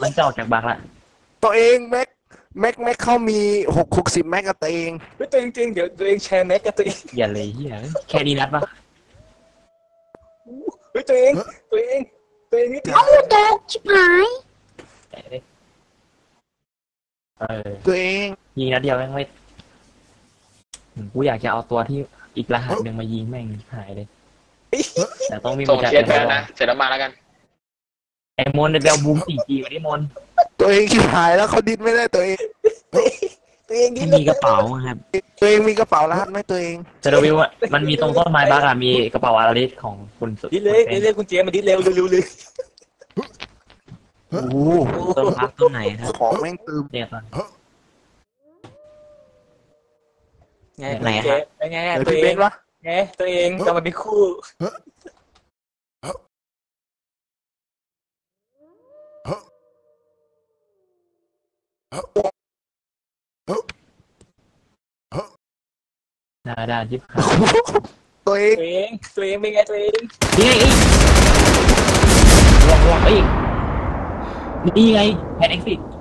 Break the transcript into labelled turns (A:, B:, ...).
A: มันจะออกจากบักละ
B: ตัวเองแม็กเขามี60แม็กกับตัวเอง
C: เฮ้ยตัวเองจริงเดี๋ยวตัวเองแชร์แม็กกับตัวเอง
A: อย่าเลยเฮียแค่นี้นัดปะ
C: เฮ้ยตัวเองนิดเดียว
D: เอ้าตกชิบหาย
B: ตัวเอง
A: ยิงนัดเดียวแม่งไม่กูอยากจะเอาตัวที่อีกรหัสหนึ่งมายิงแม่งหายเลยแต่ต้องมี
E: ส่ง
A: จาก
E: เชียร์ไปแล้วนะเสร็จแล้วมาแล้วกัน
A: ไอ้มนเบลบูม 4G มาดิมน
B: ตัวเองชิบหายแล้วเขาดิ้นไม่ได้ตัวเอง
C: ตัวเองนิ
A: ที่
C: ด
A: มีกระเป๋าครับ
B: ตัวเองมีกระเป๋ารหัสไหมตัวเอง
A: จะดูวิวมันมีตรงต้นไม้บักอะมีกระเป๋าอาราลิสของคุณสุด
C: ดิเลยคุณเจมาดิเร็วเลย
B: โอ้โห
A: ต้นพักต้นไหนครับ
B: ของแม่งตืม
A: เนี่ยตอน
C: ไง
A: ไหน
C: เจ
A: ครับ
C: ไง
B: เดี๋ยว
C: ตัว
B: พี่
C: เอ
B: เบ
C: ง
B: นวะ
C: ไงตัวเองกำลังเป็นคู่
A: ได้ยิบหา
B: ตัวเอง
C: ตัวเองเป็นไงตัวเอง
A: นี่ไงลองเอ้ยนี่ไงแพนเอ็กซิ